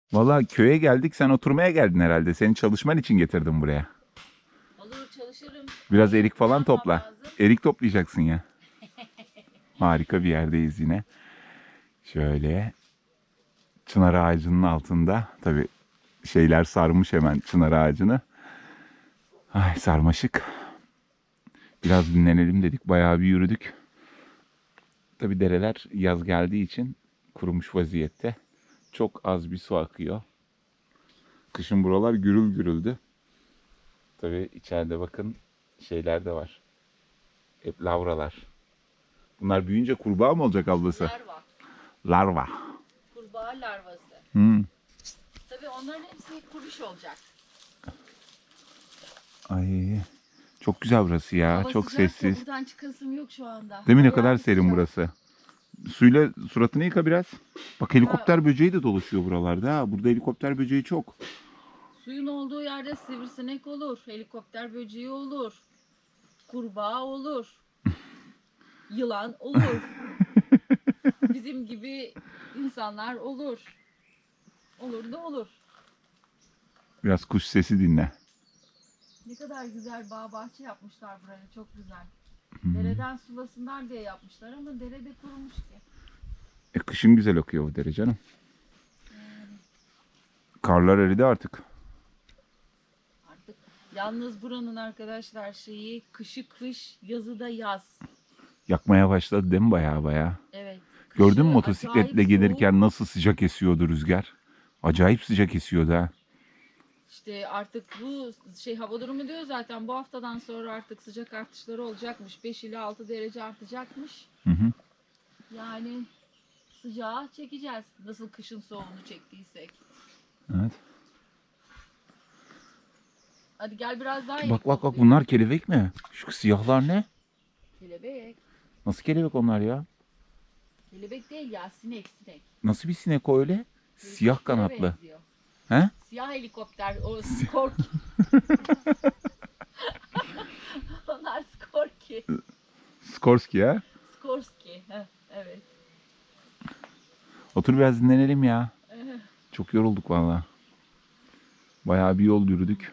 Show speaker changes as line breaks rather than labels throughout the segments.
Vallahi köye geldik, sen oturmaya geldin herhalde. Senin çalışman için getirdim buraya.
Olur, çalışırım.
Biraz erik
Ne
falan
yapmam
topla.
lazım?
Erik toplayacaksın ya. Harika bir yerdeyiz yine. Şöyle çınar ağacının altında. Tabii şeyler sarmış hemen çınar ağacını. Ay sarmaşık. Biraz dinlenelim dedik. Bayağı bir yürüdük. Tabii dereler yaz geldiği için kurumuş vaziyette. Çok az bir su akıyor. Kışın buralar gürül gürüldü. Tabii içeride bakın şeyler de var. Hep lavralar. Bunlar büyüyünce kurbağa mı olacak ablası?
Larva.
Larva.
Kurbağa larvası.
Hmm.
Tabii onların hepsi kuruş olacak.
Ay çok güzel burası ya.
Hava
Çok
sıcak da
sessiz.
buradan çıkasım yok şu anda.
Değil mi, ne
Bayağı
kadar
bir
serin
sıcak.
burası. Suyla suratını yıka biraz. Bak helikopter böceği de dolaşıyor buralarda. Ha. Burada helikopter böceği çok.
Suyun olduğu yerde sivrisinek olur, helikopter böceği olur, kurbağa olur, yılan olur. Bizim gibi insanlar olur. Olur da olur.
Biraz kuş sesi dinle.
Ne kadar güzel bağ bahçe yapmışlar buraya, çok güzel. Dereden sulasınlar diye yapmışlar ama derede kurumuş ki.
Kışın güzel akıyor bu dere canım. Karlar eridi artık.
Artık yalnız buranın arkadaşlar şeyi kışı kış, yazı da yaz.
Yakmaya başladı değil mi baya baya?
Evet.
Gördün mü
Kışı
motosikletle
acayip
gelirken
soğuk.
nasıl sıcak esiyordu rüzgar? Acayip sıcak esiyordu ha.
İşte artık bu hava durumu diyor zaten bu haftadan sonra artık sıcak artışları olacakmış. 5 ile 6 derece artacakmış.
Hı hı.
Yani sıcağı çekeceğiz. Nasıl kışın soğuğunu çektiysek.
Evet.
Hadi gel biraz daha
Bak
ileri
bak bak,
toplayalım.
bunlar kelebek mi? Şu siyahlar ne?
Kelebek.
Nasıl kelebek onlar ya?
Kelebek değil ya, sinek sinek.
Nasıl bir sinek o öyle? Siyah
Helikoptere
kanatlı.
benziyor.
He?
Siyah helikopter, o skorki. Onlar skorki.
Skorsky ya.
Skorski. Heh, evet.
Otur biraz dinlenelim ya. Çok yorulduk valla. Bayağı bir yol yürüdük.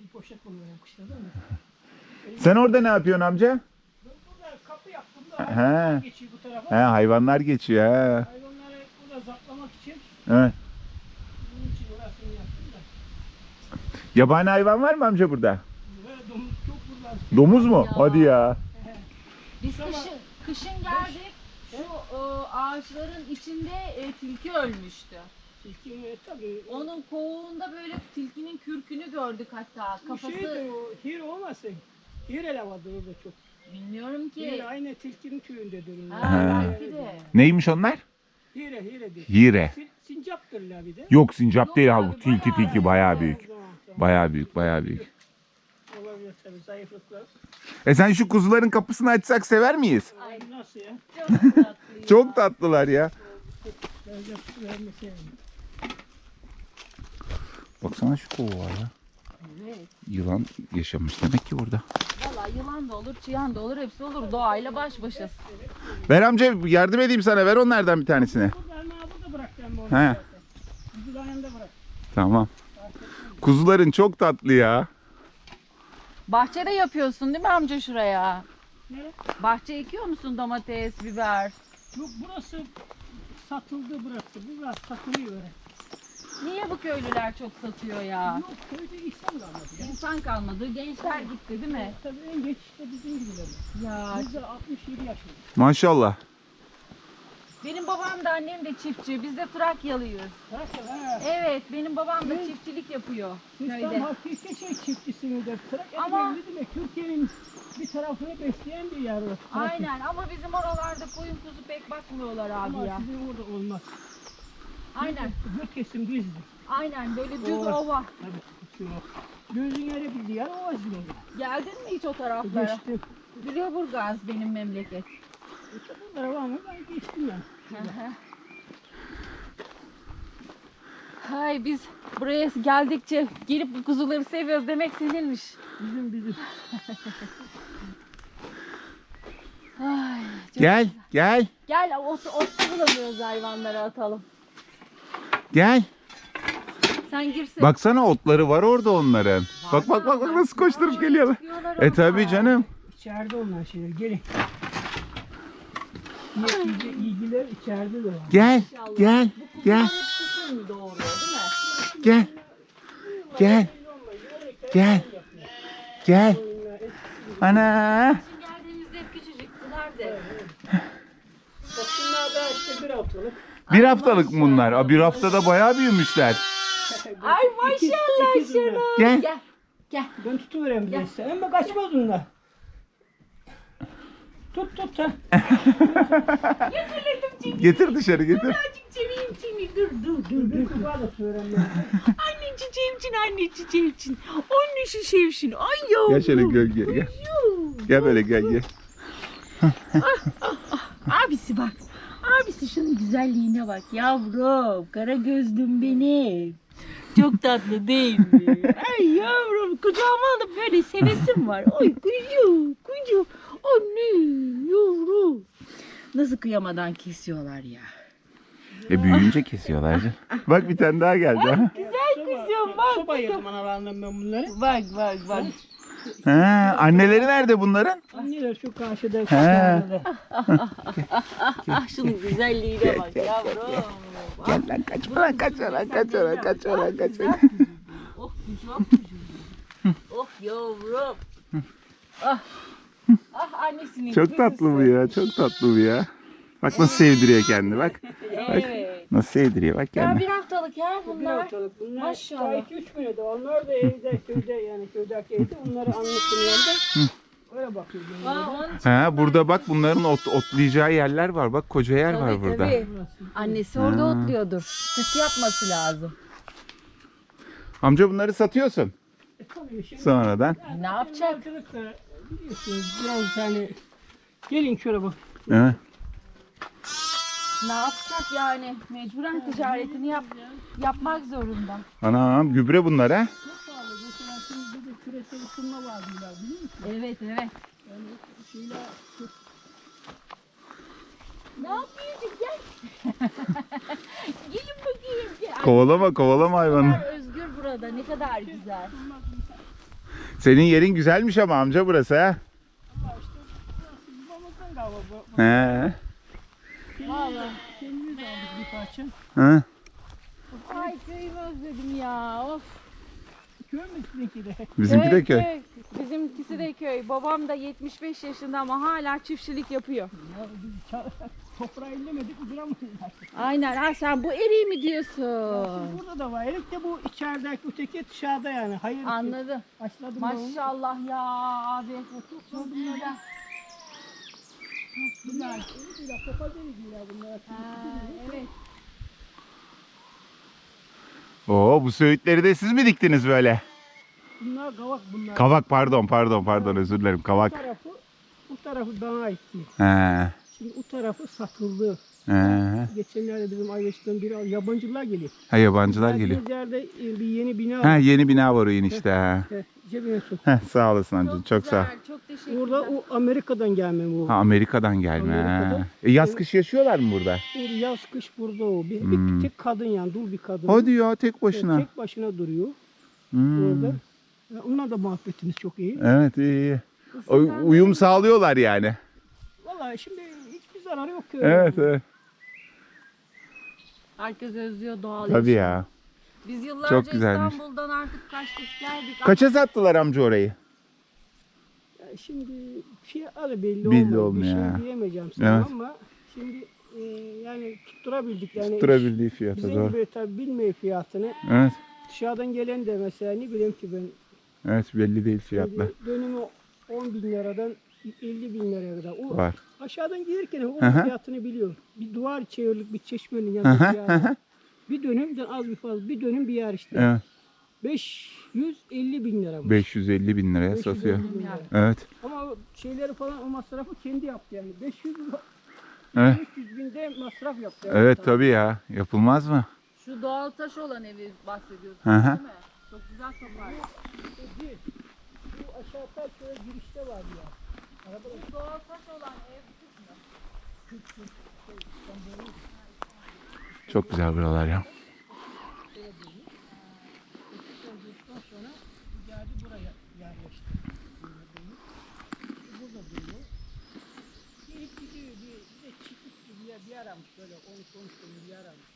Sen orada ne yapıyorsun amca?
Kapı yaptım da
He.
hayvanlar geçiyor bu tarafa.
He, hayvanlar geçiyor ha.
Hayvanları burada zaplamak için
Evet.
bunun için orasını yaptım da.
Yabani hayvan var mı amca burada?
Böyle domuz çok burada.
Domuz mu?
Ya.
Hadi ya.
Biz kışın geldik. Şu ağaçların içinde tilki ölmüştü.
Tilki tabii.
Onun kovuğunda böyle tilkinin kürkünü gördük hatta.
Bu
Kafası
şeydi o, hir olmasın. Hir ele vardı orada çok.
bilmiyorum ki.
Hir aynı tilkinin tüyündedir.
Ha, belki de.
Neymiş onlar?
Hiredir.
Hire.
Sincaptırlar bir de.
Yok sincap
Yok
değil
abi,
abi. Tilki
bayağı
tilki bayağı
büyük.
büyük.
Tamam, tamam.
Bayağı büyük, bayağı büyük.
Olabilir tabii zayıflıklar.
Sen şu kuzuların kapısını açsak sever miyiz?
Ay,
Nasıl ya?
çok tatlı ya.
Çok tatlılar ya.
Vermeseydim.
Baksana şu kovu var ya.
Evet.
Yılan yaşamış demek ki burada.
Valla yılan da olur, çıyan da olur, hepsi olur. Doğayla baş başasın.
Ver amca, yardım edeyim sana. Ver onlardan bir tanesini.
Burada bıraktım onu.
He.
zaten. Kuzuların yanında bırak.
Tamam. Kuzuların çok tatlı ya.
Bahçede yapıyorsun değil mi amca şuraya?
Ne?
Bahçe ekiyor musun, domates, biber?
Yok burası satıldı burası. Burası satılıyor öyle.
Niye bu köylüler çok satıyor ya?
Yok köyde insan kalmadı ya.
İnsan kalmadı, gençler gitti değil mi?
Tabii en geç işte bizim gibiler.
Ya
Biz de 67 yaşındayız.
Maşallah.
benim babam da annem de çiftçi, biz de Trakyalıyız.
Trakya ha.
Evet, benim babam da çiftçilik yapıyor
Siz tam
köyde.
hakiki çiftçisinizdir. Trakya
Ama-
demek Türkiye'nin bir tarafını besleyen bir yer. o. Trakya.
Aynen, ama bizim oralarda koyun kuzu pek bakmıyorlar
Ama
abi ya.
sizin orada olmaz.
Aynen,
Göt kesim düzdür.
aynen böyle düz
Ova.
ova.
Tabii yok. Gözün yeri bildi yer o izliyor.
Geldin mi hiç o taraflara?
Geçtim.
Lüleburgaz benim memleket.
Bunlara var mı? Ben geçtim yani.
Hay biz buraya geldikçe gelip bu kuzuları seviyoruz demek seninmiş.
Bizim.
Ay, çok
Gel, gel,
Gel ot bulamıyoruz hayvanlara atalım.
gel.
Sen girsin.
Baksana otları var orada onların. Bak bak bak bak nasıl koşturup geliyorlar. Tabii canım.
İçeride onlar şeyler. Gelin. İlgiler içeride de var.
Gel gel gel
Kışın doğuruyor değil mi?
gel gel gel gel. Ana.
Şimdi geldiğimizde hep küçücüktüler de.
Bak şunlar da işte bir haftalık.
Bir haftalık mı bunlar? Aa, bir haftada bayağı büyümüşler.
Ay maşallah şuna.
Gel.
Gel. Gel.
Ben tutuvereyim bir de size. Ama kaçmaz onlar. Tut ha.
Getir dışarı getir.
Birazcık çevireyim seni. Dur.
Bir kubağa da tutuvereyim ben.
Anne çiçeğim için. Anne çiçeğim için. Ay yavrum.
Gel şöyle gölge gel. Gel böyle gel.
Abisi bak. Abisi şunun güzelliğine bak yavrum. Kara gözlüm benim. Çok tatlı değil mi? Ay yavrum kucağıma alıp böyle sevesim var. Oy kucu. Anne yavrum. Nasıl kıyamadan kesiyorlar ya.
Büyüyünce kesiyorlar. Bak bir tane daha geldi. Ha.
Güzel kızım bak.
Soba yedim analarından ben bunları.
Bak.
Ha, anneleri nerede bunların?
Anneler şu karşıda.
He.
Ah şunun güzelliğine bak yavrum.
Gel lan kaçma lan kaçma lan.
Oh kucağım. Oh yavrum. Ah annesinin.
Çok tatlı bu ya, çok tatlı bu ya. Bak nasıl sevdiriyor kendini bak.
Evet.
Nasıl sevdiriyor bak
Ya
kendini.
bir haftalık ya
Bir
bunlar.
haftalık bunlar.
Maşallah.
2-3 güne de. Onlar da evde köyde yani köydeki evde. Onları annesinin yanında. Öyle bakıyoruz.
Ha, burada bak bunların otlayacağı yerler var. Bak koca yer var burada.
Tabii. Annesi orada otluyordur. Süt yapması lazım.
Amca bunları satıyorsun
Tabii şimdi.
sonradan.
Ne yapacak?
Arkadaşlar biliyorsunuz biraz hani gelin şöyle bak.
Ha.
Ne yapacak yani? Mecburen ticaretini yapmak zorunda.
Anam gübre bunlar ha.
Çok pahalı. Mesela şimdi de küresel ısınma var diyorlar biliyor musun?
Evet.
Yani şeyler çok
Ne yapıyorsun? Gel. Gelin bakayım. Gel.
Kovalama hayvanı.
Ne kadar özgür burada. Ne kadar güzel.
Senin yerin güzelmiş ama amca burası ha.
ama işte bizim babamızdan galiba bu.
He.
Vallahi.
Kendimiz aldık bir parça.
Ha.
Ay köyümü özledim ya. Of.
Köy mü sizinki de?
Bizimki de köy.
Bizimkisi de köy. Babam da 75 yaşında ama hala çiftçilik yapıyor.
Ya biz toprağı ellemedik ucuramayız artık.
Aynen. Ha sen bu eriği mi diyorsun?
Şimdi burada da var. Erik de bu içerideki öteki dışarıda yani. Hayır.
Anladım.
Başladım ben onu.
Maşallah ya abi. Çok güzel.
Bunlar erik ile papaz eriğiyle bunlar.
Evet.
Oo, bu söğütleri de siz mi diktiniz böyle?
Bunlar kavak bunlar.
Kavak pardon özür dilerim kavak.
Bu tarafı bana aitti.
He.
Şimdi o tarafı satıldı.
He.
Geçenlerde bizim Ayveş'ten biri yabancılar geliyor.
Ha, yabancılar geliyor.
Geldiğimiz yerde bir yeni bina
Ha,
var.
yeni bina var o enişte ha.
Cebine sok.
Heh, sağ olasın amcacığım çok sağ ol.
Çok teşekkürler.
Burada o Amerika'dan gelme bu.
Ha, Amerika'dan gelme.
Amerika'dan.
Ha. Yaz kış yaşıyorlar mı burada?
Burada yaz kış burada o. Bir tek kadın yani dul bir kadın.
Hadi ya tek başına.
Tek başına duruyor
Hmm.
orada. Onlar da muhabbetimiz çok iyi.
Evet iyi. Uyum sağlıyorlar yani.
Vallahi şimdi hiçbir zararı yok ki.
Evet.
Herkes özlüyor doğal
Tabii
yaşamı.
ya.
Biz yıllarca
Çok güzelmiş.
İstanbul'dan artık kaçtık geldik.
Kaça sattılar amca orayı?
Şimdi fiyatları belli
Belli
olmuyor.
olmuyor
Bir
ha.
şey diyemeyeceğim sana
Evet.
ama şimdi yani tutturabildik yani.
Tutturabildiği fiyata
Bizim
doğru.
gibi tabii bilmiyor fiyatını.
Evet.
Dışarıdan gelen de mesela ne bileyim ki ben
Evet belli değil fiyatlar.
şimdi dönümü 10 bin liradan 50 bin liraya kadar. O
Var.
aşağıdan gelirken o
Hı hı.
fiyatını biliyor. Bir duvar çevirilik bir çeşmenin
Hı
yanında
hı,
bir yer var. Bir dönümden az bir fazla bir dönüm bir yer işte.
Evet.
550 bin lira bu.
550 bin liraya
550
satıyor.
bin lira.
Evet.
Ama o şeyleri falan o masrafı kendi yaptı yani. 500
Evet.
300 binde masraf yaptı. yani.
Evet tabii ya. Yapılmaz mı?
Şu doğal taş olan evi bahsediyorsun
Hı hı.
değil mi? Çok güzel toplar.
Bu aşağıda şöyle girişte var ya.
Bu doğal taş olan ev kısmı.
Çok güzel buralar ya.
olduktan sonra geldi buraya yerleşti. Burada duruyor. Gelip gidiyor bir de çiftlik gibi bir yer aramış böyle 12-13 tane bir yer aramış.